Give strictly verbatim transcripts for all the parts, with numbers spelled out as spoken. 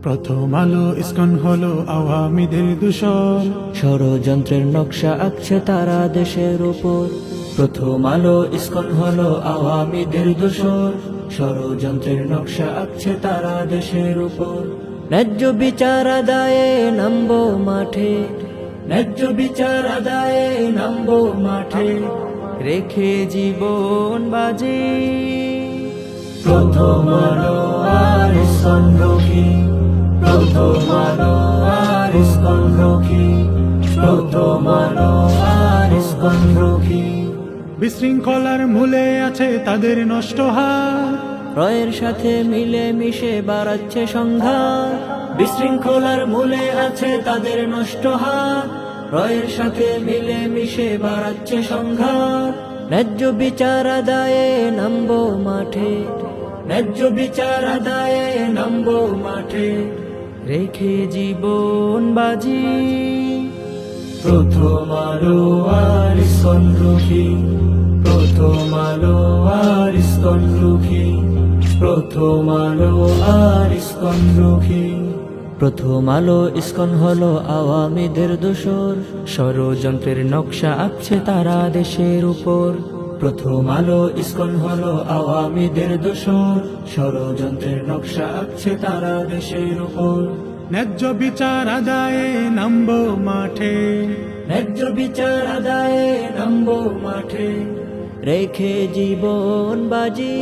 প্রথম আলো ইসকন হলো আওয়ামীদের দূষণ, ষড়যন্ত্রের নকশা আঁকছে তারা দেশের উপর। প্রথম আলো ইসকন হলো আওয়ামীদের দূষণ, ষড়যন্ত্রের নকশা আঁকছে তারা দেশের উপর। ন্যায্য বিচার আদায়ে নামবো মাঠে, ন্যায্য বিচার আদায়ে নামবো মাঠে, রেখে জীবন বাজি। প্রথম আলো আর ইসকন রক্ষী, প্রথম আলো আর ইসকন রক্ষী, প্রথম আলো আর ইসকন রক্ষী। বিশৃঙ্খলার মূলে আছে তাদের নষ্ট হাত, রয়ের সাথে মিলে মিশে বাড়াচ্ছে সংঘাত। বিশৃঙ্খলার মূলে আছে তাদের নষ্ট হাত, রয়ের সাথে মিলে মিশে বাড়াচ্ছে সংঘাত। ন্যায্য বিচার আদায়ে নামবো মাঠে, ন্যায্য বিচার আদায়ে নামবো মাঠে, রেখে জীবন বাজি। প্রথম আলো আর ইসকন রক্ষী, প্রথম আলো আর ইসকন রক্ষী, প্রথম আলো আর ইসকন রক্ষী। প্রথম আলো ইসকন হলো আওয়ামীদের দোসর, ষড়যন্ত্রের নকশা আঁকছে তারা দেশের উপর। প্রথম আলো ইসকন হলো আওয়ামীদের দোসর, ষড়যন্ত্রের নকশা আঁকছে তারা দেশের উপর। ন্যায্য বিচার আদায়ে নামবো মাঠে, ন্যায্য বিচার আদায়ে নামবো মাঠে, রেখে জীবন বাজি।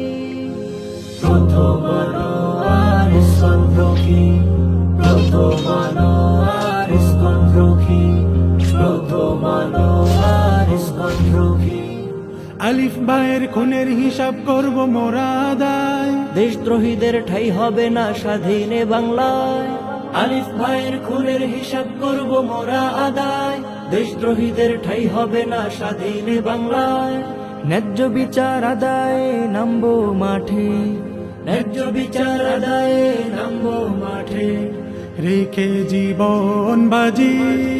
প্রথম আলো আর ইসকন রক্ষী, প্রথম আলো আর ইসকন রক্ষী, প্রথম আলো আর ইসকন রক্ষী। আলিফ ভাইয়ের খুনের হিসাব করব মোরা আদায়, দেশদ্রোহীদের ঠাই হবে না স্বাধীনে বাংলায়। আলিফ ভাইয়ের খুনের হিসাব করব মোরা আদায়, দেশদ্রোহীদের ঠাই হবে না স্বাধীনে বাংলায়। ন্যায্য বিচার আদায়ে নামবো মাঠে, ন্যায্য বিচার আদায়ে নামবো মাঠে, রেখে জীবন বাজি।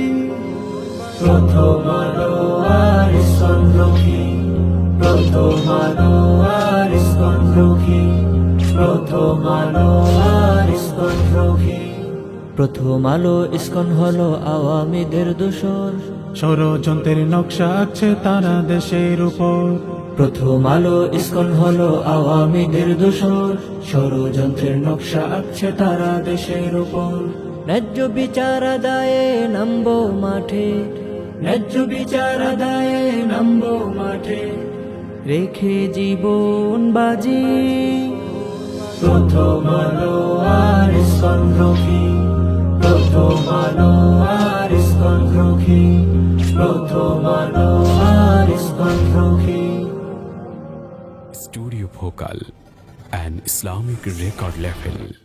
প্রথম আলো আর ইসকন রক্ষী, প্রথম আলো আর ইসকন রক্ষী, প্রথম আলো আর ইসকন রক্ষী। প্রথম আলো ইসকন হলো আওয়ামীদের দোসর, ষড়যন্ত্রের নকশা আঁকছে তারা দেশের উপর। প্রথম আলো ইসকন হলো আওয়ামীদের দোসর, ষড়যন্ত্রের নকশা আঁকছে তারা দেশের উপর। ন্যায্য বিচার আদায়ে নামবো মাঠে, ন্যায্য বিচার আদায়ে নামবো মাঠে, রেখে জীবন বাজি। প্রথম আলো আর ইসকন রক্ষী, প্রথম আলো আর ইসকন রক্ষী, প্রথম আলো আর ইসকন রক্ষী। Studio Bhokal, an Islamic record label.